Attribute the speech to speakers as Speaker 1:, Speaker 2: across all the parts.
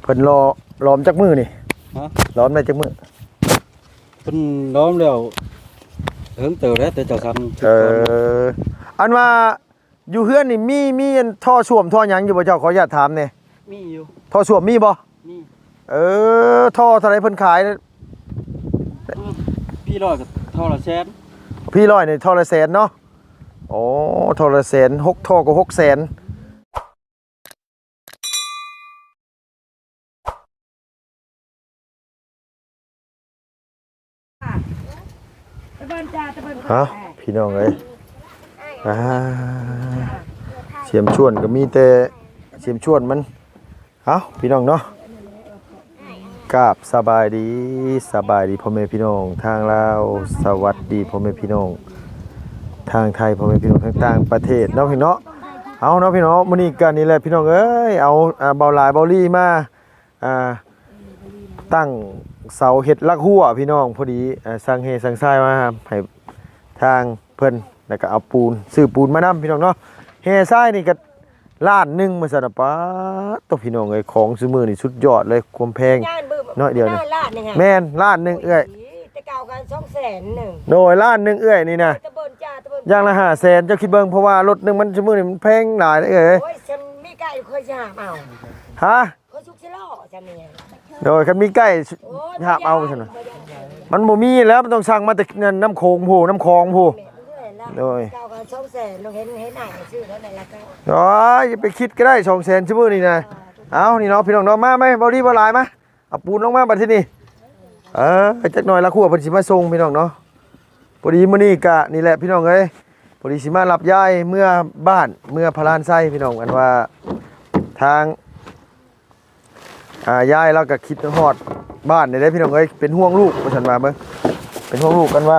Speaker 1: เพิ่นล้อมจักมือนี่
Speaker 2: ฮะ
Speaker 1: ล้อมได้จักมือ
Speaker 2: เพิ่นล้อมแล้วเฮิงเติบแล้วแต่เจ้าทำ
Speaker 1: อันว่าอยู่เฮือนนี่มีอันท่อส้วมท่อหยังอยู่บ่เจ้าขออนุญาตถามแหน่
Speaker 2: มีอยู่
Speaker 1: ท่อส้วมมีบ่
Speaker 2: มี
Speaker 1: ท่อเท่าไหร่เพิ่นขาย
Speaker 2: พี่ร้อยกับเท่าละแสน
Speaker 1: พี่ร้อยนี่ท่อละแสนเนาะโอ้ท่อละแสน6ท่อก็6แสนพี่น้องเอ้ยเสียมชวนก็มีแต่เสียมชวนมันพี่น้องเนาะกราบสบายดีพ่อแม่พี่น้องทางลาวสวัสดีพ่อแม่พี่น้องทางไทยพ่อแม่พี่น้องทางต่างประเทศเนาะพี่เนาะเอาเนาะพี่น้องมื้อนี้กันนี่แหละพี่น้องเอ้ยเอาเบาหลายเบาลี่มาตั้งเสาเห็ดลักหัวพี่น้องพอดีสั่งเฮสั่งทรายมาให้ทางเพิ่นแล้วก็เอาปูนซื้อปูนมานำพี่น้องเนาะเฮทรายนี่ก็ล้านนึงมาซั่นป๊าตัวพี่น้องเอ้ยของซื้อมือนี่สุดยอดเลยความแพงน้อยเดียวนี่แม่นล้านนึงเอ้ย
Speaker 3: แต่เก่ากัน200,000
Speaker 1: โดยล้านนึงเอ้ยนี่นะอย่างละ500,000เจ้าคิดเบิ่งเพราะว่ารถนึงมันซื้อมือนี่มันแพงหลายเอ้ย
Speaker 3: โอ้ยฉันมีไก่เคยจะหาเอา
Speaker 1: ฮะ
Speaker 3: เคยสุกสิล้อจังนี่
Speaker 1: โดยคันมีใกล้หาเอาซั่นน่ะมันบ่มีแล้วมันต้องสั่งมาแต่น้ำโขงผู้น้ำคลองผู้โดย
Speaker 3: เก่ากัน200,000ลงเห็นหน้าชื่อเท่านั้นละก็
Speaker 1: อย่าไปคิดก็ได้200,000ซื้อมือนี่นะเอานี่เนาะพี่น้องเนาะมาไหมบ่ดีบ่หลายมาเอาปูนลงมาบัดทีนี้จักหน่อยละครัวเพิ่นสิมาส่งพี่น้องเนาะพอดีมื้อนี้ก็นี่แหละพี่น้องเอ้ยพอดีสิมารับยายเมื่อบ้านเมื่อพลานไส้พี่น้องกันว่าทางยายเราก็คิดฮอดบ้านได้พี่น้องเอ้ยเป็นห่วงลูกว่าซั่นว่าเบิ่งเป็นห่วงลูกกันว่า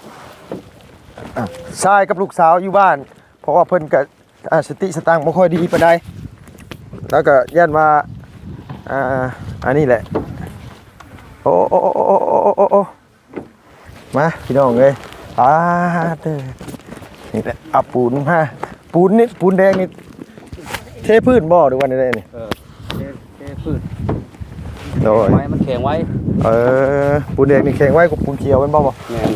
Speaker 1: ชายกับลูกสาวอยู่บ้านเพราะว่าเพิ่นก็สติสตังค์บ่ค่อยดีปานใดแล้วก็ย่านว่าอันนี้แหละโอ้มาพี่น้องเอ้ยเด้อนี่แหละเอาปูนมาปูนนี่ปูนแดงนี่เทพื้นบ่หรือว่าได้นี่
Speaker 2: เทพื้น
Speaker 1: โดย
Speaker 2: ไว้มันแข็งไว้
Speaker 1: ปูนแดงนี่แข็งไว้กับปูนเขียวเป็นบ่
Speaker 2: แม่น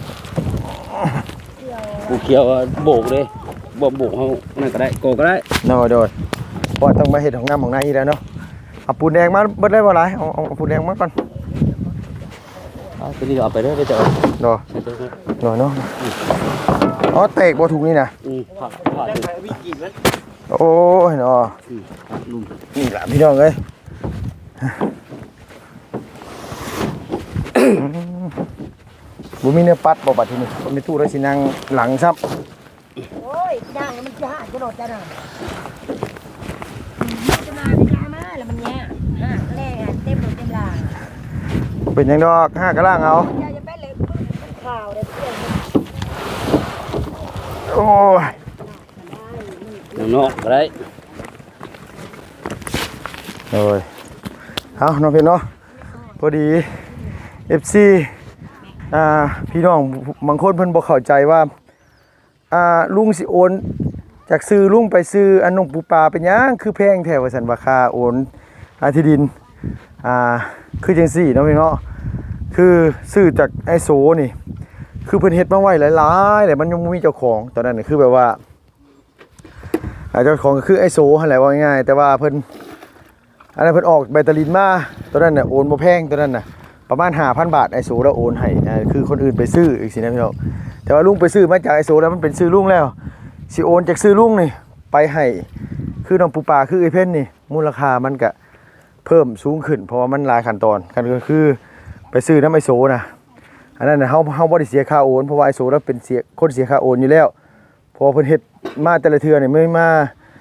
Speaker 2: ปูเขียวโบกเลยบ่โบกเฮานั่นก็ได้โกก็ได้
Speaker 1: โดยเพราะต้องมาเฮ็ดของงามของนายอีแล้วเนาะเอาปูนแดงมาเบิดได้บ่หลายเอาปูนแดงมาก่อน
Speaker 2: ตัวนี้เอาไปเด้อเจ้า
Speaker 1: เนาะเนาะเตกบ่ถูกนี่นะ
Speaker 2: ผ่าวิ่งกินมัน
Speaker 1: โอ้ยเนาะนี่ล่ะพี่น้องเอ้ยบ่มีเนื้อปัดบ่บัดทีนี้บ่มีตู้แล้วสินั่งหลังซับ
Speaker 3: โอ้ยย่างมันจะหาจะโดดจะน่ะจะมาแล้วมันแย่แรกเต็มหมดเต็มลาง
Speaker 1: เป็นยังดอก5กะล่างเอา
Speaker 3: อย่าจะเป็นเลยมันข่าวได้เพื่อน
Speaker 1: โอ้
Speaker 2: ยนอกก็ได้
Speaker 1: โอ้ยเอาน้องพี่เนาะพอดี FC พี่น้องบางคนเพิ่นบ่เข้าใจว่าลุงสิโอนจากซื้อลุงไปซื้ออันนงปูปลาเป็นหยังคือแพงแท้ว่าซั่นว่าค่าโอนที่ดินคือจังซี่เนาะพี่เนาะคือซื้อจากไอโซนี่คือเพิ่นเฮ็ดมาไว้หลายๆแต่มันยังบ่มีเจ้าของตอนนั้นคือแบบว่าเจ้าของก็คือไอโซหั่นแหละว่าง่ายๆแต่ว่าเพิ่นอันนั้นเพิ่นออกใบตะลินมาตอนนั้นน่ะโอนบ่แพงตอนนั้นน่ะประมาณ 5,000 บาทไอโซแล้วโอนให้คือคนอื่นไปซื้ออีกสินะพี่น้องแต่ว่าลุงไปซื้อมาจากไอโซแล้วมันเป็นซื้อลุงแล้วสิโอนจากซื้อลุงนี่ไปให้คือน้องปูปลาคือไอเพ่นนี่มูลค่ามันก็เพิ่มสูงขึ้นเพราะว่ามันหลายขั้นตอนกันก็คือไปซื้อน้ำไอโซนะอันนั้นเฮาบ่ได้เสียค่าโอนเพราะว่าไอโซแล้วเป็นคนเสียค่าโอนอยู่แล้วพอเพิ่นเฮ็ดมาแต่ละเทื่อนี่ไม่มา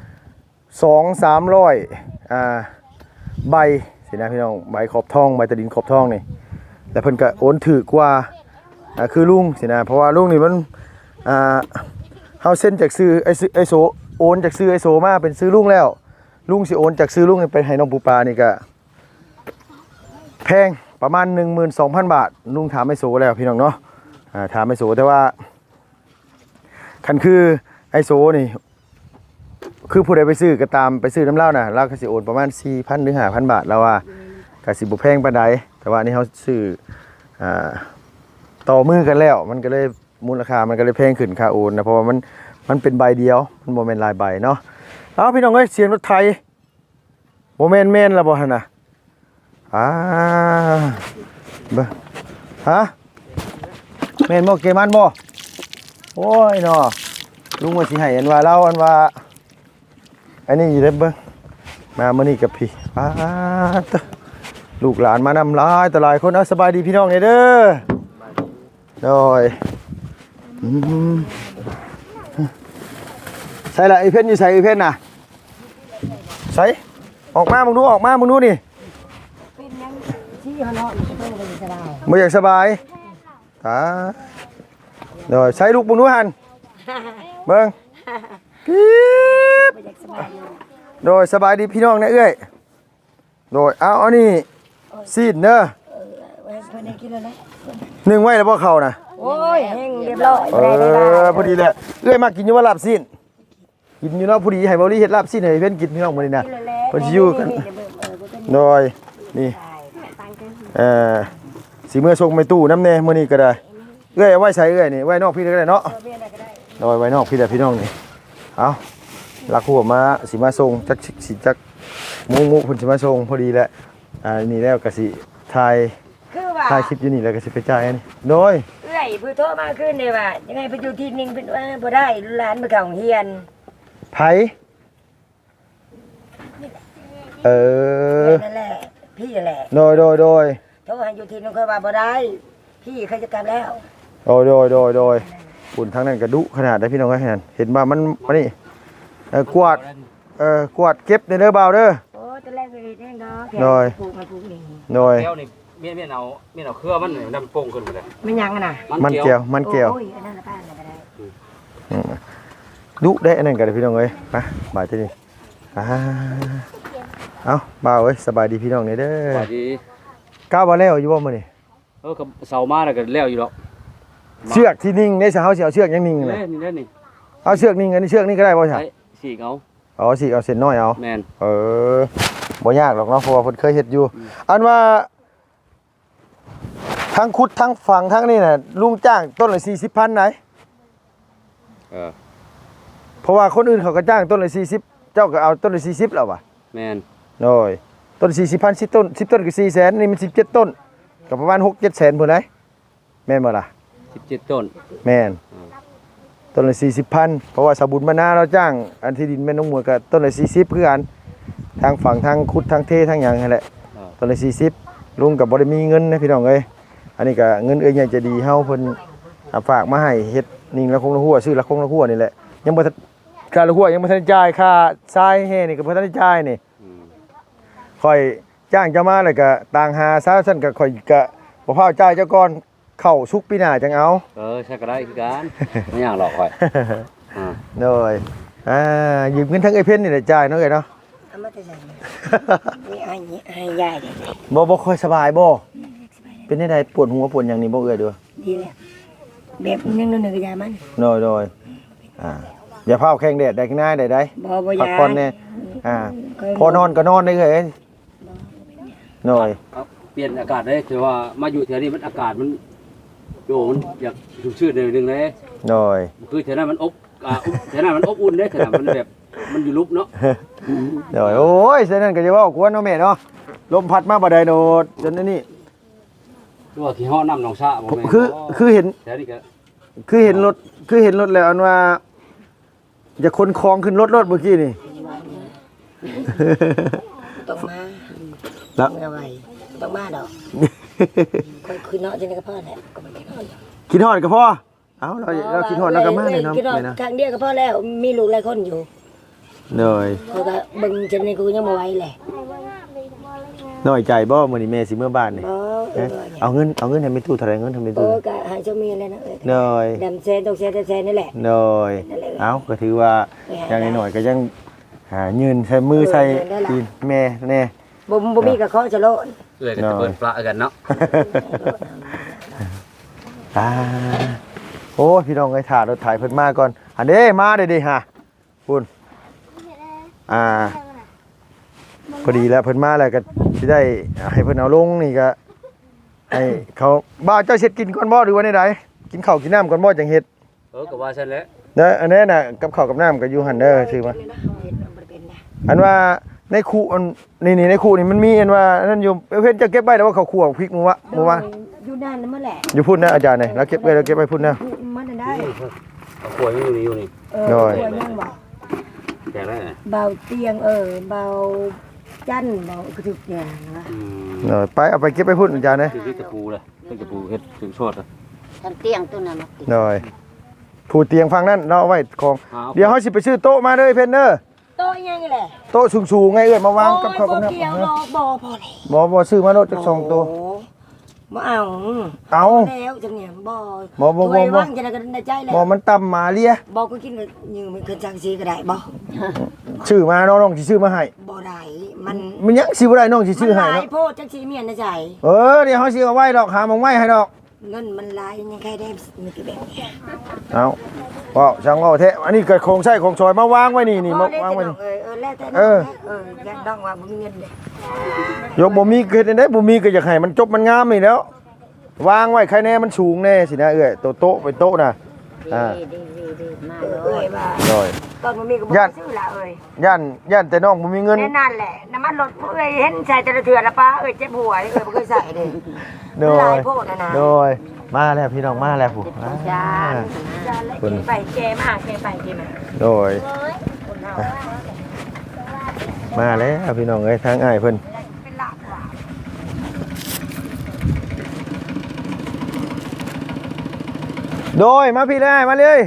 Speaker 1: 200-300ใบสินะพี่น้องใบขอบทองใบตะดินขอบทองนี่แล้วเพิ่นก็โอนถูกกว่าคือลุงสินะเพราะว่าลุงนี่มันเฮาเซ็นจากซื้อไอโซโอนจากซื้อไอโซมาเป็นซื้อลุงแล้วลุงสิโอนจากซื้อลุงไปให้น้องปูปลานี่ก็แพงประมาณ 12,000 บาทลุงถามไอโซแล้วพี่น้องเนาะถามไอโซแต่ว่าคันคือไอโซนี่คือผู้ใดไปซื้อก็ตามไปซื้อน้ำเหล้าน่ะเราก็สิโอนประมาณ 4,000 หรือ 5,000 บาทแล้วว่าก็สิบ่แพงปานใดแต่ว่านี่เฮาซื้อต่อมือกันแล้วมันก็เลยมูลค่ามันก็เลยแพงขึ้นค่าโอนนะเพราะว่ามันเป็นใบเดียวมันบ่แม่นหลายใบเนาะเอาพี่น้องเอ้ยเสียงรถไทยบ่แม่นแล้วบ่หั่นน่ะเบิ่งฮะแม่นบ่เกมันบ่โอ้ยเนาะลุงว่าสิให้อันว่าเราอันว่าอันนี้อยู่เด้อเบิ่งมามื้อนี้กับพี่ตะลูกหลานมานำหลายต่อหลายคนเอาสบายดีพี่น้องเด้อโดยใส่ละไอ้เพ่นอยู่ใส่ไอ้เพ่นน่ะใส่ออกมามึงดูนี่
Speaker 3: เป็นยังที่เขาเนาะมันก็ต้องไปสบาย
Speaker 1: บ่อยากสบายโดยใส่ลูกมึงดูหันเบิ่งกิ๊บ
Speaker 3: บ่อยากสบายอยู่
Speaker 1: โดยสบายดีพี่น้องนะเอ้ยโดยเอานี่ซีดเด้อ
Speaker 3: ไว้เพิ่นได้กินแล้วนะ
Speaker 1: นึ่งไว้แล้วบ่เข้านะ
Speaker 3: โอ้ยแห้งเรียบร้อยได้
Speaker 1: พอดีแหละเอ้ยมากินอยู่ว่าลาบซีนกินอยู่เนาะพอดีให้เบาลี่เฮ็ดลาบซีนให้เพิ่นกินพี่น้องมื้อนี้นะเพิ่นสิอยู่กันโดยนี่สิมื้อส่งไปตู้น้ำแน่มื้อนี้ก็ได้เอ้ยเอาไว้ใส่เอ้ยนี่ไว้นอกพี่ก็ได้เนาะโดยไว้นอกพี่แหละพี่น้องนี่เอาลักหัวมาสิมาส่งจักสิจักมุเพิ่นสิมาส่งพอดีแหละนี่แล้วก็สิถ่ายคลิปอยู่นี่แล้วก็สิไปจ่ายอันนี้โดย
Speaker 3: เอ้ยเพิ่นโทรมาขึ้นเลยว่ายังไงเพิ่นอยู่ที่นึงเพิ่นว่าบ่ได้หลานไปเข้าโรงเรียน
Speaker 1: ไผ
Speaker 3: นั่นแหละพี่แหละ
Speaker 1: โดย
Speaker 3: โทรให้อยู่ที่นึงค่อยว่าบ่ได้พี่เขาจะกลับแล้ว
Speaker 1: โดยฝุ่นทั้งนั้นก็ดุขนาดได้พี่น้องเอ้ยเห็นว่ามันนี่กวาดเก็บในเด้อบ่าวเด้อ
Speaker 3: โอ้ตอนแรกเลยแน่เนาะ
Speaker 1: โดย
Speaker 3: ปลูกมาปลูกนี่
Speaker 1: โดย
Speaker 2: แก้วนี่เมียนเอาเครือมันนี่นำโป่งขึ้นไปเลย
Speaker 3: ไม่ยังอ่ะน่ะ
Speaker 1: มันเกี่ยว
Speaker 3: โอ้ยอันนั้นละป้าน่ะก็ได้
Speaker 1: ดุได้อันนั้นก็ได้พี่น้องเอ้ยไปบ่ายที่นี่เอาบ่าวเอ้ยสบายดีพี่น้องนี่เด้อ
Speaker 2: สวัสดี
Speaker 1: ก้าวบ่แล้วอยู่บ่มื้อนี้
Speaker 2: กับเสามาแล้วก็แล้วอยู่ดอก
Speaker 1: เชือกที่นิ่งได้ซะเฮาสิเอาเชือกยังนิ่งเลย
Speaker 2: นี่
Speaker 1: เอาเชือกนิ่งอันนี้เชือกนี่ก็ได้บ่ใช่
Speaker 2: ใช้สีเอา
Speaker 1: อ๋อสิเอาเส้นน้อยเอา
Speaker 2: แมน
Speaker 1: บ่ยากหรอกเนาะเพราะว่าเพิ่นเคยเฮ็ดอยู่อันว่าทั้งขุดทั้งฝังทั้งนี่น่ะลุงจ้างต้นละ 40,000ไหนเพราะว่าคนอื่นเขาก็จ้างต้นละ40เจ้าก็เอาต้นละ40แล้วว่ะ
Speaker 2: แมน
Speaker 1: โอ้ยต้น 40,000 10ต้น10ต้นก็400,000นี่มัน17ต้นก็ประมาณ 6-7 แสนพุ่นได้แม่นบ่ล่ะ
Speaker 2: 17ต้น
Speaker 1: แม่นต้นละ 40,000เพราะว่าสาบุญมานาเราจ้างอันที่ดินแม่น้องมวยก็ต้นละ40คือกันทางฝั่งทางขุดทางเททางหยังนั่นแหละต้นละ40ลุงก็บ่ได้มีเงินนะพี่น้องเอ้ยอันนี้ก็เงินเอ้ยใหญ่จะดีเฮาเพิ่นฝากมาให้เฮ็ดนิ่งละคงละหัวซื้อละคงละหัวนี่แหละยังบ่ทันค่าละหัวยังบ่ทันจ่ายค่าทรายแห่นี่ก็บ่ทันจ่ายนี่ค่อยจ้างเจ้ามาแล้วก็ต่างหาซะซั่นก็ค่อยก็บ่พาจ่ายเจ้าก่อนเข้าสุกปีหน้าจังเอา
Speaker 2: ใช่ก็ได้คือกันไม่อยากหลอกค่อย
Speaker 1: โดยยืมเงินทั้งไอ้เพิ่นนี่แหละจ่ายเนาะเอ้ยเนาะ
Speaker 3: เอามาแต่ใส่นี่ให้ยายเด้
Speaker 1: บ่ค่อยสบายบ่เป็นได้ปวดหัวปวดหยังนี่บ่เอ้ยเด้อ
Speaker 3: ดีแล้วแบบนึงนึงก็ยามัน
Speaker 1: โดยอย่าพาแข้งแดดได้ข้างหน้าได้
Speaker 3: บ่
Speaker 1: พั
Speaker 3: ยาก
Speaker 1: ผ่อนแน่พอนอนก็นอนได้เอ้ยโดย
Speaker 2: เปลี่ยนอากาศได้คือว่ามาอยู่แถวนี้มันอากาศมันโยมันอยากชุ่มชื่นนิดนึงเลย
Speaker 1: โดย
Speaker 2: คือแถวนั้นมันแถวนั้นมันอบอุ่นได้แถวนั้นมันแบบมันอยู่ลุกเนาะ
Speaker 1: โดยโอ้ยฉะนั้นก็จะเว้ากวนเนาะแม่เนาะลมพัดมาบ่ได้โดดจนนี่
Speaker 2: คือว่าขี้ฮ้อน้ำหนองชะบ่แม่
Speaker 1: คือเห็น
Speaker 2: แถวนี้ก็
Speaker 1: คือเห็นรถแล้วอันว่าจะขนของขึ้นรถเมื่อกี้นี่
Speaker 3: ต้องมา
Speaker 1: แล้ว
Speaker 3: เมื่อไหร่ต้องมาดอกคนคืนเนาะจังก็พอแหละก็มันคิดฮอด
Speaker 1: คิดฮอดก็พอเอ้าเราคิดฮอดแล้วก็มาเลยเนาะ
Speaker 3: คิดฮอด
Speaker 1: แม่นะ
Speaker 3: ทางเดียวก็พอแล้วมีลูกหลายคนอยู่
Speaker 1: โดย
Speaker 3: เขาก็เบิ่งจังนี่กูยังบ่ไหวแหละ
Speaker 1: น้อยใจบ่มื้อนี้แม่สิเมื่อบ้านนี่
Speaker 3: บ่
Speaker 1: เอาเงินให้แม่ตู้เท่าไหร่เงินให้แม่
Speaker 3: โอ้
Speaker 1: ตู้
Speaker 3: ก็ให้เจ้ามีแล้วนะเอ้ย
Speaker 1: โดย
Speaker 3: ดำแซนต้องแซนนี่แหละ
Speaker 1: โดยเอ้าก็ถือว่าอย่างน้อยๆก็ยังหายืนใช้มือใช้ตีนแม่แน่
Speaker 3: บ่มีก็ขอจะโลด
Speaker 2: เลยก็จะเปิดปลากันเนาะ
Speaker 1: โอ้พี่น้องไอ้ถ่ารถถ่ายเพิ่นมาก่อนอันนี้มาเด้ฮะคุณพอดีแล้วเพิ่นมาแล้วก็สิได้ให้เพิ่นเอาลงนี่ก็ให้เขาบ่าวเจ้าเฮ็ดกินก่อนบ่หรือว่าใดๆกินข้าวกินน้ำก่อนบ่จังเฮ็ด
Speaker 2: ก็ว่าซั่นแหละ
Speaker 1: เด้ออันนี้น่ะกับข้าวกับน้ำก็อยู่หั่นเด้อชื่อมาอันว่าในคูอันนี่ในคูนี่มันมีอันว่านั่นอยู่เพิ่นจะเก็บไว้แล้วว่าเขาคั่วพริกมื้อวะ
Speaker 3: อยู่ด้านนั้นนั่นแหละ
Speaker 1: อยู่พุ่นนะอาจารย์นี่แล้วเก็บไว้แล้วเก็บไว้พุ่นนะ
Speaker 3: มันได้
Speaker 2: ขวดอยู่นี่
Speaker 3: ตัวยังบ่
Speaker 2: แจกได้
Speaker 3: เบาเตียงเบาจันเบากระทุกอย่างนะ
Speaker 1: ไปเอาไปเก็บไปพุ่นอาจารย์นะ
Speaker 2: คือตะปูเลยตะปูเฮ็ดถึงโชด
Speaker 4: ทันเตียงตัวนั้นมาติด
Speaker 1: หน่อยผู้เตียงฟังนั่นเราเอาไว้ของเดี๋ยวเฮาสิไปซื้อโต๊ะมาเด้อเพนเด้อ
Speaker 3: โต๊ะยังไงแหละ
Speaker 1: โต๊ะสูงๆไงเอ้ยมาวางกับข้าวกับน้ำ
Speaker 3: เกี่ยวบ่พอเลย
Speaker 1: บ่ซื้อมาโลดจัก2ตัว
Speaker 3: บ่เอา
Speaker 1: เอา
Speaker 3: แล้วจังเนี่ยบ่
Speaker 1: บ่
Speaker 3: ว่างจะได้กันในใจแล้ว
Speaker 1: บ่มันต่ำมาเลีย
Speaker 3: บ่ก็กินยืมมันขึ้นจังซีก็ได้บ่
Speaker 1: ซื้อมาน้องสิซื้อมาให้
Speaker 3: บ่ได้มัน
Speaker 1: มันยังสิบ่ได้น้องสิซื้อให้
Speaker 3: หลา
Speaker 1: เนาะ
Speaker 3: ยโพดจังซีเมียนในใจ
Speaker 1: เดี๋ยวเฮาสิเอาไว้ดอกหาหมองไว้ให้ดอก
Speaker 3: เงินมันหลายยังใครได้มีกี่แบบเนี่ย
Speaker 1: เอาว้าวช่างว่าแท้อันนี้เกิดโครงใช้ของซอยมาวางไว้นี่มาวางไว้นี่
Speaker 3: แล้วแต่ยันดองว่าบ่มีเงินเด้
Speaker 1: ยกบ่มีเกิดได้บ่มีก็อยากให้มันจบมันงามนี่แล้ว วางไว้ใครแน่มันสูงแน่สินะเอ้ยโต๊ะไปโต๊ะน่ะ
Speaker 4: ดีมาเลย
Speaker 3: ว่า
Speaker 1: โดย
Speaker 3: ตอนบ่มีก็บ่ซื้อละ
Speaker 1: ย่านแต่น้องบ่มีเงิน
Speaker 3: แน่นั่นแหละน้ำมันรถเห็นใส่แต่ละเทื่อละป้าเจ็บหัวบ่เคยใส่เด้
Speaker 1: โด
Speaker 3: หลาย
Speaker 1: ย
Speaker 3: โพดนะ
Speaker 1: โดยมาแล้วพี่น้องมาแล้วผู้
Speaker 4: จาน
Speaker 3: ไปแกมาแกไปแกมา
Speaker 1: โดยมาแล้วพี่น้องเอ้ยทางอ้ายเพิ่น
Speaker 3: เป็นหลักว่ะ
Speaker 1: โดยมาพี่เลยมาเลย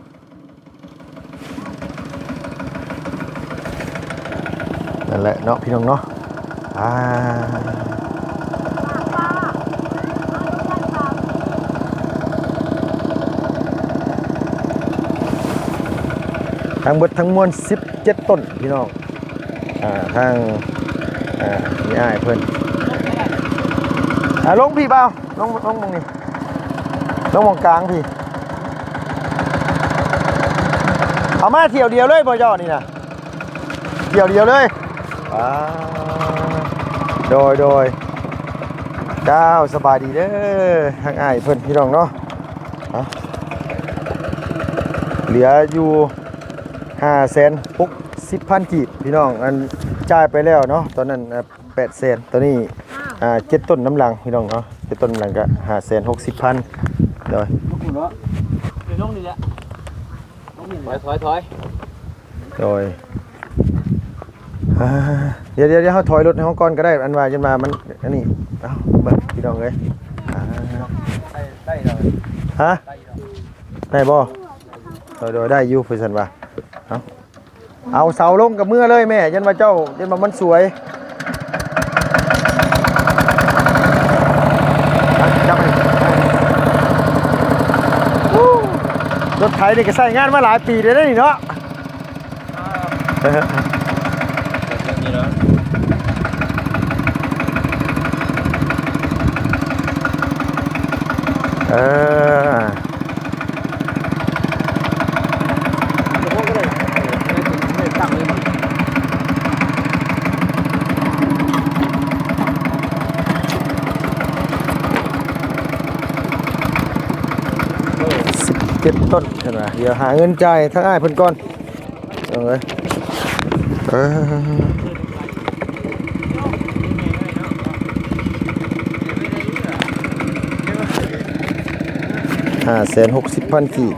Speaker 1: นั่นแหละเนาะพี่น้องเนาะทั้งหมดทั้งมวล17ต้นพี่น้องทางนี่อ้ายเพิ่นลงพี่เปล่าลงมองนี่ลงมองกลางพี่เอามาเที่ยวเดียวเลยบ่ยอดนี่นะเที่ยวเดียวเลยโดยเจ้าสบายดีเด้อทางอ้ายเพิ่นพี่น้องเนาะเหลืออยู่560,000 กีบพี่น้องอันจ่ายไปแล้วเนาะตอนนั้น800,000ตอนนี้7ต้นน้ำลังพี่น้องเนาะ7ต้นน้ำลังก็560,000โดย
Speaker 2: คุณเนาะไปลงนี่แหละถอย
Speaker 1: โดยเดี๋ยวเขาถอยรถในห้องก่อนก็ได้อันว่าจนมามันอันนี้เอาเบิ่งพี่น้องเลย
Speaker 2: ได้เลย
Speaker 1: ฮะได้บ่โดยได้อยู่เพื่อนว่าเอาเสาลงกับมือเลยแม่ยันมาเจ้ายันมามันสวยจับไปรถไถนี่ก็ใช้งานมาหลายปีเลยนี่เนาะ
Speaker 2: นี่เนาะ
Speaker 1: 17 ต้นใช่ไหมเดี๋ยวหาเงินจ่ายทั้งอ้ายเพิ่นก่อนเอาเลย560,000 กีบ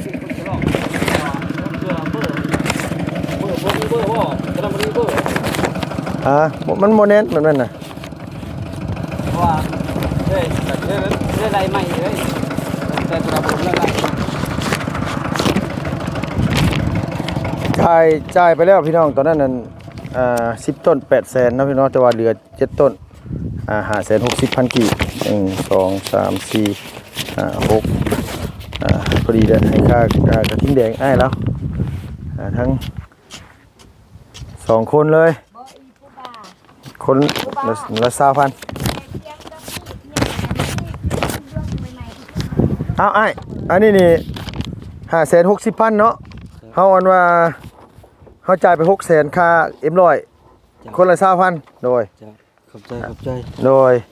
Speaker 1: มันโมเนนแบบนั้นน่ะ
Speaker 2: ว่าเฮ้ยอะไรใหม่เลยแต่กระผมแล้วไง
Speaker 1: จ่ายไปแล้วพี่น้องตอนนั้นนั่น10 ต้น800,000นะพี่น้องแต่ว่าเหลือ7 ต้น560,000 กีบ1 2 3 4 5 6พอดีเลยให้ค่ากระทิงแดงอ้ายแล้วทั้ง2 คนเลยคนละ20,000เอาไอ้อันนี้นี่560,000เนาะเฮาอันว่าเฮาจ่ายไป600,000ค่าเอ็มร้อยคนละ20,000โดย
Speaker 2: จ้ะขอบใจ
Speaker 1: โดย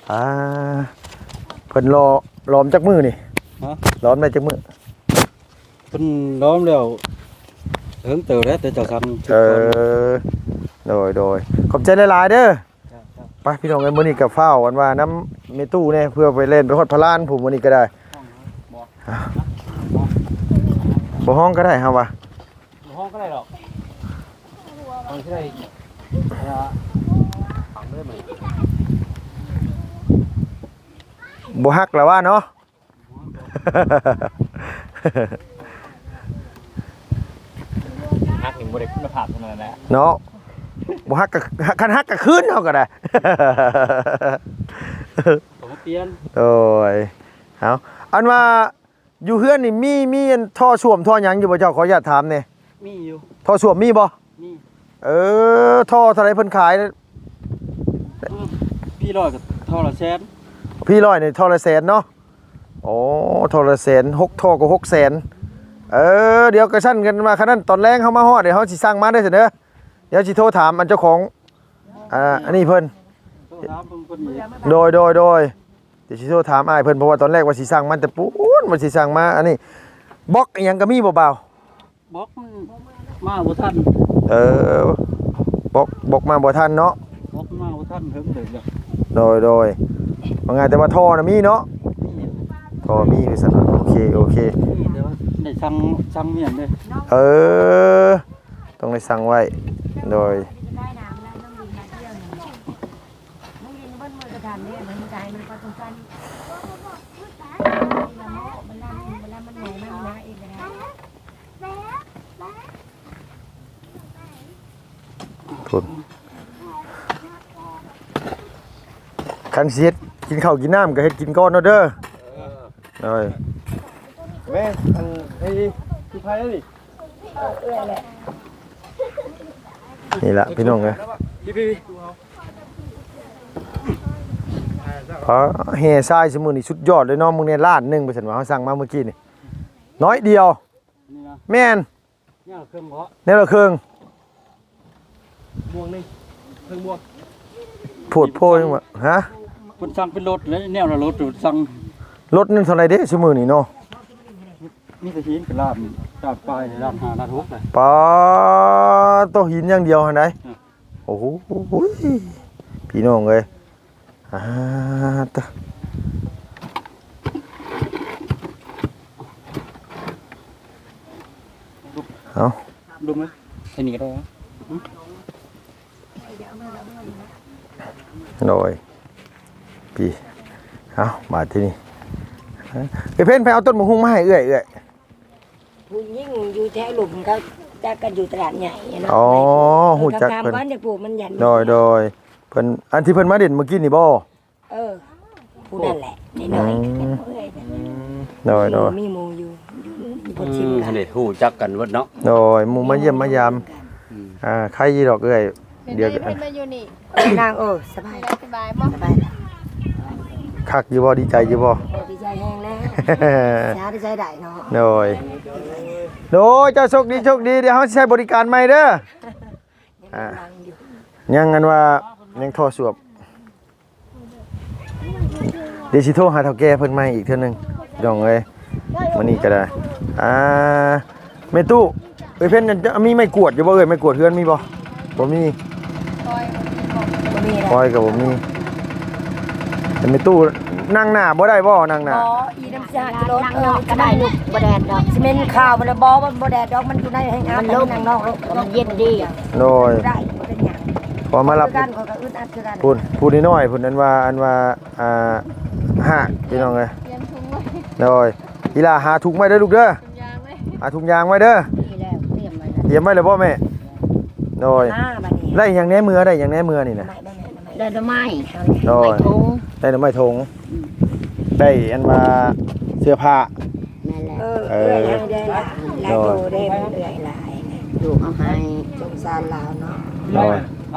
Speaker 1: เพิ่นล้อมจักมือนี่
Speaker 2: ฮะ
Speaker 1: ล้อมได้จักมือ
Speaker 2: เพิ่นล้อมแล้วเฮิงเติบแล้วแต่เจ้าทำ
Speaker 1: เออโดยขอบใจหลายๆเด้อ
Speaker 2: จ้ะ
Speaker 1: ไปพี่น้องเอ้ยมื้อนี้ก็ฟ้าวกันว่าน้ำเมตู้แน่เพื่อไปเล่นไปฮอดพลานผมมื้อนี้ก็ได้บ่ห้องก็ได้ครับว่า
Speaker 2: ห้องก็ได้หรอกห้องที่ได้ฝังได้ไหม
Speaker 1: บ่ฮักแล้วว่าเนาะ
Speaker 2: ฮักหนึ่งบริคุณภาพเท่านั้นแหละ
Speaker 1: เนาะบ่ฮักก็คันฮักก็คืนเฮาก็ได้
Speaker 2: ผมเปลี่ยน
Speaker 1: โอ้ยเอาอันว่าอยู่เฮือนนี่มีอันท่อส้วมท่อหยังอยู่บ่เจ้าขออนุญาตถามแหน่
Speaker 2: มีอยู่
Speaker 1: ท่อส้วมมีบ่
Speaker 2: มี
Speaker 1: ท่อเท่าไหร่เพิ่นขาย
Speaker 2: พี่ร้อยกับเท่าละแสน
Speaker 1: พี่ร้อยนี่ท่อละแสนเนาะโอ้ท่อละแสน6ท่อก็600,000เดี๋ยวกระชั้นกันมาคันนั้นตอนแรงเฮามาฮอดเดี๋ยวเฮาสิสั่งมาได้เสนอเดี๋ยวสิโทรถามอันเจ้าของอันนี้เพิ่น
Speaker 2: ต้องถามเพิ่นอีก
Speaker 1: โดยเดี๋ยวสิโทรถามอ้ายเพิ่นเพราะว่าตอนแรกว่าสิสั่งมันแต่ปูนว่าสิสั่งมาอันนี้บล็อกอีหยังก็มีบ่เบา
Speaker 2: บอกมันมาบ่ทัน
Speaker 1: บอกมาบ่ทันเนาะ
Speaker 2: บอกมาบ่ทันเฮิงเติบแล้ว
Speaker 1: โดยว่าไงแต่ว่าท่อน่ะมีเนาะ
Speaker 2: มี
Speaker 1: ท่อมีไปสั่นโอเค
Speaker 2: มีแต่ว่าได้สั่งเมียนเด้
Speaker 1: ต้องได้สั่งไว้โดย
Speaker 3: ได้น้ำแล้วน้องดินมาเที่ยวนี่น้องดินเบิ้ลมือกระทำเนี่ยมันใจมันก็สงสารมันเหนื่อยมากนะเองนะ
Speaker 1: ทุนคันสิเฮ็ดกินข้าวกินน้ำก็เฮ็ดกินก่อนเนาะเด้อโดย
Speaker 2: แม่อันไอ้ที่ไผนี่
Speaker 3: เอื้อแหละ
Speaker 1: นี่ล่ะพี่น้องเอ้ย
Speaker 2: พี่
Speaker 1: เพราะแห่ทรายซุมื้อนี้สุดยอดเลยเนาะมึงเนี่ยล้านหนึงไปซั่นว่าเฮาสั่งมาเมื่อกี้นี่น้อยเดียว
Speaker 2: นี่นะ
Speaker 1: แม่น
Speaker 2: เนี่ยเครื่องเพาะ
Speaker 1: แนวละครึ่ง
Speaker 2: บวงนี่เครื่องบวง
Speaker 1: โพดโพจังว่าฮะ
Speaker 2: เพิ่นสั่งเป็นรถแล้วแนวละรถสั่ง
Speaker 1: รถนึงเท่าไหร่เด้ซุมื้อนี้เนาะ
Speaker 2: มีแต่หินกับลาบปลายลาบ5ลาบ6เลย
Speaker 1: ปาโตหินอย่างเดียวหั่นใด
Speaker 2: อืม
Speaker 1: โอ้โหพี่น้องเอ้ยตะเอา
Speaker 2: ดูมั้ยไอ้นี่ก็ได้
Speaker 1: หน่อยพี่เอามาที่นี่ไอ้เพ่นไปเอาต้นมะฮุ่งมาให้เอื้อย
Speaker 3: ผู้ยิ่งอยู่แถวหลุมเขาจะกันอยู่ตลาดใหญ่เนาะ
Speaker 1: อ๋อหูจัก
Speaker 3: คำ
Speaker 1: เพิ่น
Speaker 3: บ้านจะปลูกมันยัน
Speaker 1: โดยเพิ่นอันที่เพิ่นมาเด่นเมื่อกี้นี่บ่
Speaker 3: ผู้นั่นแหละนี่น้อยโดยมีหมูอยู่บนชิม
Speaker 2: อันนี้ฮู้จักกันเบิดเนาะ
Speaker 1: โดยหมู่มาเยี่ยมมายามใครยีดอกเอื้อยเดี๋ยว
Speaker 5: เป็นมาอยู่นี่
Speaker 3: นางสบาย
Speaker 5: สบายบ่
Speaker 3: สบาย
Speaker 1: คักอยู่บ่ดีใจอยู่บ่
Speaker 3: ดีใจแห้งแล้วช้าดีใจได้เนาะ
Speaker 1: โดยเจ้าโชคดีเดี๋ยวเฮาสิใช้บริการใหม่เด้อยังกันว่ายังโทรสวบเดี๋ยวสิโทรหาเฒ่าแก่เพิ่นใหม่อีกเทื่อนึงพี่น้องเอ้ยมื้อนี้ก็ได้แม่ตู้เอ้ยเพิ่นมีไม้กวดอยู่บ่เอ้ยไม้กวดเฮือนมีบ่บ่มี
Speaker 3: มี
Speaker 1: ปล่อยก็บ่มีแต่แม่ตู้นั่งหน้าบ่ได้บ่นั่งหน้า
Speaker 3: อีน้ำชาจะลด
Speaker 4: นั่งนอกก็ได้ลูกบ่แดดดอก
Speaker 3: ซีเมนต์ข้าวมันบ่มันบ่แดดดอกมันอยู่ในแห้งอาบนางนอก
Speaker 4: มันเย็นดี
Speaker 1: โดย
Speaker 3: ได้เป็นหยัง
Speaker 1: พอมารับ
Speaker 3: กันก็อึดอัดคือกัน
Speaker 1: พูดน้อยๆพูดนั้นว่าพี่น้องเอ้ย
Speaker 5: เตรียมถุงไว้
Speaker 1: โดยอีหล่าหาถุงไว้เด้อลูกเด้อ
Speaker 5: ถุงยางไว้
Speaker 1: หาถุงยางไว้เด้อ
Speaker 4: นี่แล้วเตรียมไว้แล้ว
Speaker 1: เตรียมไว้เลยพ่อแม่โดย
Speaker 3: บัดนี้
Speaker 1: ได้อย่างแหน่มือได้อย่างแหน่มือนี่นะ
Speaker 4: ได้ดอกไม้
Speaker 1: โดย
Speaker 4: ไม้ถุง
Speaker 1: ได้หน่อไม้ทงได้อันว่าเสื้อผ้า
Speaker 4: นั่นแหละ
Speaker 3: ได้หลายโตได้เอื่อยหลาย
Speaker 4: ลูกเอาให้
Speaker 3: สงสารลาวเนาะ
Speaker 1: โดย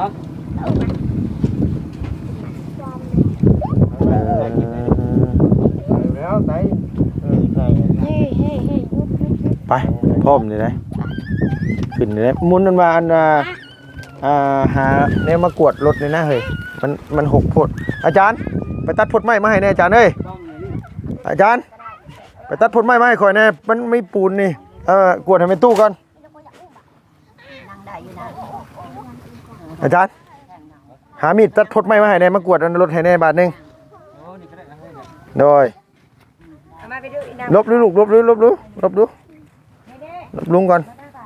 Speaker 2: แล้วไส
Speaker 1: ไปพร้อมนี่นะขึ้นเลยหมุนมันว่าอันหาแนวมากวดรถเลยนะเฮ้ยมันหกโพดอาจารย์ไปตัดพดไม้มาให้แน่อาจารย์เอ้ยอาจารย์ไปตัดพดไม้มาให้ข่อยแน่มันไม่ปูนนี่กวดให้เป็นตู้ก่อนอาจารย์หามีดตัดพดไม้มาให้แน่มากวดรถให้แน่บาทหนึงโดยลบดูลูกลบดูลุงก่อน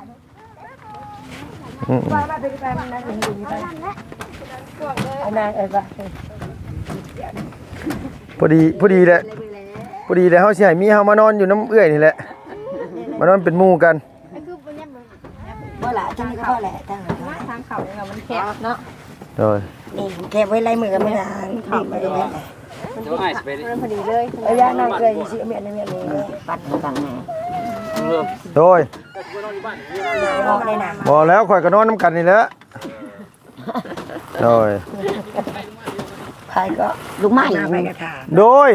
Speaker 1: พอดีแหละพอดีแหละเขาสิให้มีเฮามานอนอยู่น้ำเอื้อยนี่แหละมานอนเป็นหมู่กัน
Speaker 3: บ่ล่ะจังนี้ก็พอแหละทางเขาเนี่ยมันแคบเนาะ
Speaker 1: โดย
Speaker 3: นี่แคบไว้ไล่มือกันไม่นานขับไปเลย
Speaker 2: เดี๋ยวไอ้สิไปดิ
Speaker 3: พอดีเลยระยะนั่งเคยสิเมียนนี่ปัดกันแน่
Speaker 1: โดย
Speaker 3: บ่ได้นะ
Speaker 1: บอกแล้วข่อยก็นอนน้ำกันนี่แหละโดย
Speaker 3: ใครก็ลูกไม้ไปกระถา
Speaker 1: โดย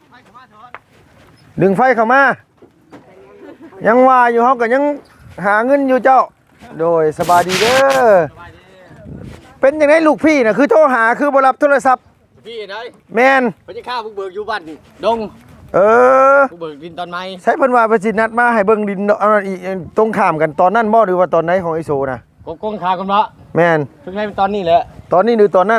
Speaker 1: ดึงไฟเข้ามายังว่าอยู่เฮาก็ยังหาเงินอยู่เจ้าโดยสบายดีเด้อเป็นยังไงลูกพี่น่ะคือโทรหาคือบ่รับโทรศัพท์
Speaker 2: พี่ไหน
Speaker 1: แม่น
Speaker 2: เพิ่นจะฆ่าผู้เบิกอยู่บ้านดง
Speaker 1: เออ
Speaker 2: ผู้เบิกดินตอนไม้
Speaker 1: ใช้เพิ่นว่าประสิทธิ์นัดมาให้เบิ่งดินเอานั่นอีกตรงข้ามกันตอนนั้นบ่หรือว่าตอนไหนของไอโซน่ะ
Speaker 2: กงขากันเนาะ
Speaker 1: แม่น
Speaker 2: เพิ่งให้เป็นตอนนี้แหละ
Speaker 1: ตอนนี้หรือตอนนั้น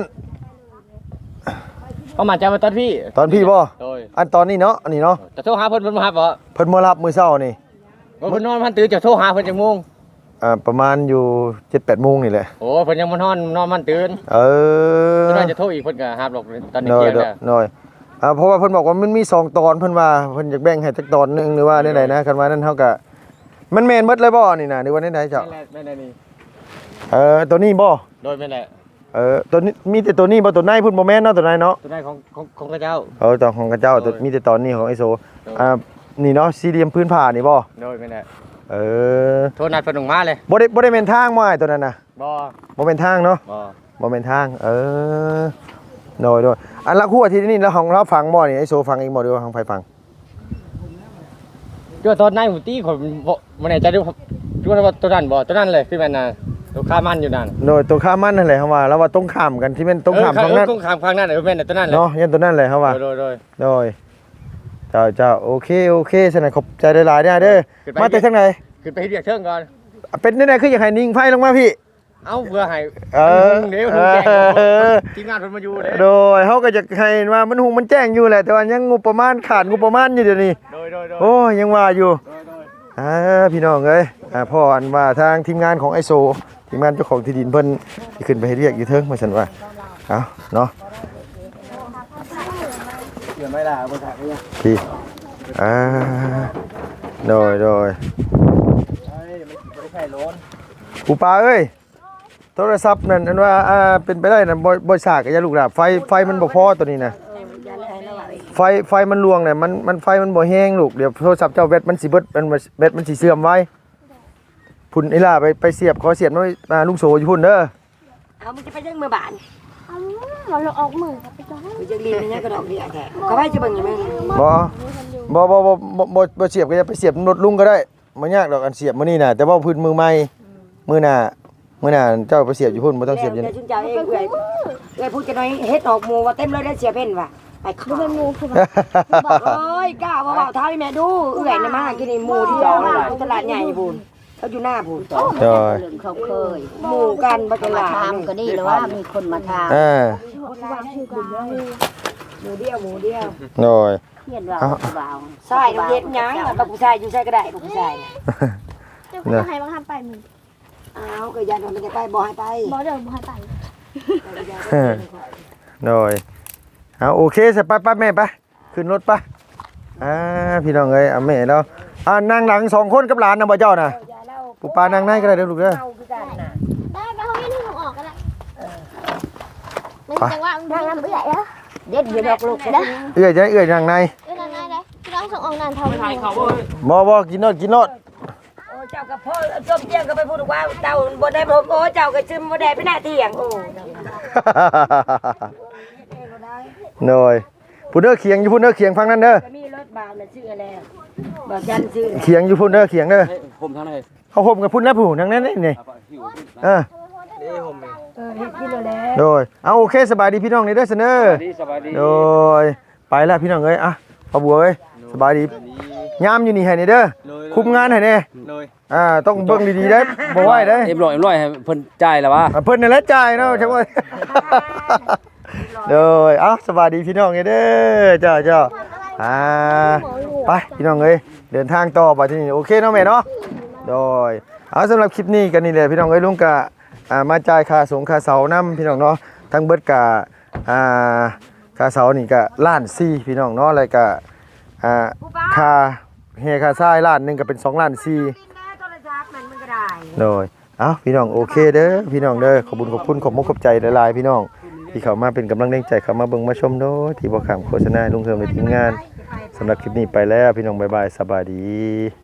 Speaker 2: เขามาจะมาตอนพี่
Speaker 1: ตอนพี่บ่
Speaker 2: โดย
Speaker 1: อันตอนนี้เนาะอันนี้เนาะ
Speaker 2: จะโทรหาเพิ่นมาครับบ่
Speaker 1: เพิ่นมารับมื้อเช้านี่
Speaker 2: เพิ่นนอนมันตื่นจะโทรหาเพิ่นจังโมง
Speaker 1: ประมาณอยู่ 7-8 โมงนี่แหละ
Speaker 2: โอ้เพิ่นยังบ่นอนมันตื่น
Speaker 1: เออ
Speaker 2: เพิ่นว่าจะโทรอีกเพิ่นก็หาบหรอกตอนนี้
Speaker 1: น้อย
Speaker 2: เที่ยงแล้ว
Speaker 1: น้อยเพราะว่าเพิ่นบอกว่ามันมี2ตอนเพิ่นว่าเพิ่นอยากแบ่งให้จักตอนหนึงหรือว่าได้ไหนนะคันว่านั้นเฮาก็มันแม่นหมดเลยบ่นี่น่ะหรือว่าได้ไหนเจ้า
Speaker 2: แม่นนี่
Speaker 1: ตัวนี้บ่
Speaker 2: โดยแม่นแหละ
Speaker 1: ตัวนี้มีแต่ตัวนี้บ่ตัวไหนเพิ่นบ่แม่นเนาะตัวไหนเนาะ
Speaker 2: ตัวได้ของกระเจ้า
Speaker 1: ตอนของกระเจ้าตัวมีแต่ตอนนี้ของไอโซนี่เนาะสี่เหลี่ยมพื้นผ่านี่บ่
Speaker 2: โดยแม่นแหละ
Speaker 1: โท
Speaker 2: โทรนัดเพิ่นออกมาเลย
Speaker 1: บ่ได้เป็นทางบ่ไอ้ตัวนั้นน่ะ
Speaker 2: บ่
Speaker 1: บ่เป็นทางเนาะ
Speaker 2: บ่
Speaker 1: บ่เป็นทางโดยอันละคู่อาทิตย์นี้แล้วของเราฟังบ่นี่ไอโซฟังเองบ่หรือว่าทางไผฟัง
Speaker 2: ก็ตอนนั้นหมูตี้ผมบ่แน่ใจด้วยว่าตัวนั้นบ่ตัวนั้นเลยคือแม่นน่ะตัวค้ามันอยู่นั่น
Speaker 1: โดยตัวข้ามมันนั่นแหละเฮาว่าแล้วว่าตรงข้ามกันที่เป็นตรงข้ามฝั่งนั้น
Speaker 2: ตรงข้ามฝั่งนั้นแม่นตัวนั้นเลย
Speaker 1: เนาะยันตัวนั้นแหละเฮาว่า
Speaker 2: โดย
Speaker 1: โดยเจ้าโอเคฉะนั้นขอบใจหลายๆเด้อเด้อมาแต่ทางไหน
Speaker 2: ขึ้นไปเรียกเชิงก่อน
Speaker 1: เป็นได้คืออยากให้นิ่งไฟลงมาพี่
Speaker 2: เอ้าเพื่อให้
Speaker 1: เดี๋
Speaker 2: เดี๋
Speaker 1: ย
Speaker 2: ยว ว
Speaker 1: แจ้ง
Speaker 2: ทีมงานเพิ่นมาอยู่เด้
Speaker 1: โดยเขาก็จะให้ว่ามันหุงมันแจ้งอยู่แหละแต่ว่ายังงบประมาณขาดงบประมาณอยู่เดี๋ยวนี้
Speaker 2: โดย
Speaker 1: โอ้ยังว่าอยู่พี่น้องเอ้ยพ่ออันว่าทางทีมงานของไอโซทีมงานเจ้าของที่ดินเพิ่นที่ขึ้นไปให้เรียกอยู่เทิงมาซั่นว่าเอาเนาะ
Speaker 2: เดี๋ยวไม่ล่ะบ่ถ่ายเลย
Speaker 1: พี่โดย
Speaker 2: เอ้ยไม่ใช่ร้อน
Speaker 1: ปู่ปาเอ้ยโทรศัพท์นั่นอันว่าเป็นไปได้นั่นบ่ฉากกับยาลูกหลาบไฟมันบ่พอตัวนี้นะไฟมันลวงเนี่ยมันไฟมันบ่แห้งลูกเดี๋ยวโทรศัพท์เจ้าแบตมันสิเบิดแบตมันสิเสื่อมไว้พุ่นไอ้ล่าไปเสียบขอเสียบมาลุงโสอยู่พุ่นเด้อ
Speaker 3: เอามึงจะไปยังมือบาน
Speaker 5: เราออกมือครับไปจ้า
Speaker 3: มึงจะรีบเนี่ยกระดอกเดียแท้เขาให้จะเบิ่งยังไง
Speaker 1: บ่เสียบก็จะไปเสียบรถลุงก็ได้บ่ยากดอกอันเสียบมื้อนี้น่ะแต่ว่าพื้นมือใหม่มื้อหน้าเจ้าไปเสียบอยู่พุ่นบ่ต้องเสียบอยู่
Speaker 3: เดี๋ย
Speaker 1: นี่
Speaker 3: วชุนเจ้าเองเอ้ยพูดกันหน่อยเฮ็ดออกหมูว่าเต็มเลยได้เสียเพ่นว่ะไปขอ
Speaker 5: เป็นงูคือ
Speaker 3: เอ้ยกล้าว่าท้าให้แม่ดูเอื้อยนะมากินนี่หมูที่เราตลาดใหญ่พูนเขาอยู่หน้าพูน
Speaker 1: โดย
Speaker 4: เรื่องเขาเคย
Speaker 3: หมูกันบ่ต
Speaker 4: มา
Speaker 3: ลาด
Speaker 4: ทำก็ดีแล้วว่ามีคนมาท
Speaker 3: หมูเดียว
Speaker 1: โดย
Speaker 4: ำเขียนว่าเบา
Speaker 3: ใช่น้ำเย็นยังบักผู้ชายอยู่ใส่ก็ได้บักผู้ชาย
Speaker 5: เดี๋ยวคุณให้บังคับไปมึง
Speaker 3: อ้าวก็ยันมันจะไปบ่ให้ไป
Speaker 5: บอกเดี๋ยวบังคับไป
Speaker 1: โดยเอาโอเคสิไปแม่ไปขึ้นรถไปพี่น้องเอ้ยแม่เรานั่งหลัง2คนกับหลานนะบ่เจ้าน่ะปู่ปานั่งในก็ได้เด้อลูกเด้อ
Speaker 5: ได้ไปห้องนี้ถึงออกกันละมันจังว่าทางน้ำเอื่อยแล้ว
Speaker 4: เด็ดอยู่ดอกลูก
Speaker 5: เด้อ
Speaker 1: เอื้อยนั่งใน
Speaker 5: นางไงเลยเราส่งออกนานเท่าไหร่
Speaker 1: บ่กินโนด
Speaker 3: โอ้เจ้ากับพ่อส้มเจียงก็ไปพูดว่าเจ้าบ่ได้ผมโอ้เจ้าก็ซึมบ่ได้ไปหน้าเที่ยงโอ้
Speaker 1: โดยพุ่นเด้อเขียงอยู่พุ่นเด้อเขียงฟังนั่นเด้อ
Speaker 3: มีรถบาวน่ะชื่ออะไรบ่จันชื่อ
Speaker 1: เขียงอยู่พุ่นเด้อเขียงเด้อ
Speaker 2: ผมทางไหน
Speaker 1: เขาห่มกับพุ่นแล้วผู้ทั้งนั้นนี่เออ
Speaker 3: เฮ็ดกินแล้ว
Speaker 1: โดยเอาโอเคสบายดีพี่น้องนี่เด้อเสนอ
Speaker 2: สบายดี
Speaker 1: โดยไปแล้วพี่น้องเอ้ยอ่ะพ่อบัวเอ้ยสบายดียามอยู่นี่ให้นี่เด้อคุมงานให้แน่ต้องเบิ่งดีๆเด้อบ่ไหวเด้อ
Speaker 6: เอ็มร้อยให้เพิ่นจ่ายแล้ววะ
Speaker 1: เพิ่นนั่นแหละจ่ายเนาะใช่บ่โดยเอ้าสบายดีพี่น้องเด้อเจ้าไปพี่น้องเอ้ยเดินทางต่อไปที่นี่โอเคเนาะแม่เนาะโดยเอาสำหรับคลิปนี้กันนี่แหละพี่น้องเอ้ยลุงกะมาจ่ายค่าสงค่าเสานํพี่น้องเนาะทั้งเบิดกะค่าเสานี่ก็ล้าน4พี่น้องเนาะแล้วก็ค่าเฮค่าทรายล้านหนึงก็เป็น2ล้าน4โดยเอ้าพี่น้องโอเคเด้อพี่น้องเด้อขอบคุณขอบมุกขอบใจหลายๆพี่น้องที่เข้ามาเป็นกำลังแรงใจเข้ามาเบิ่งมาชมโดยที่บ่ข้ามโฆษณาลุงเทิมในทีมงานสำหรับคลิปนี้ไปแล้วพี่น้องบ๊ายบายสบายดี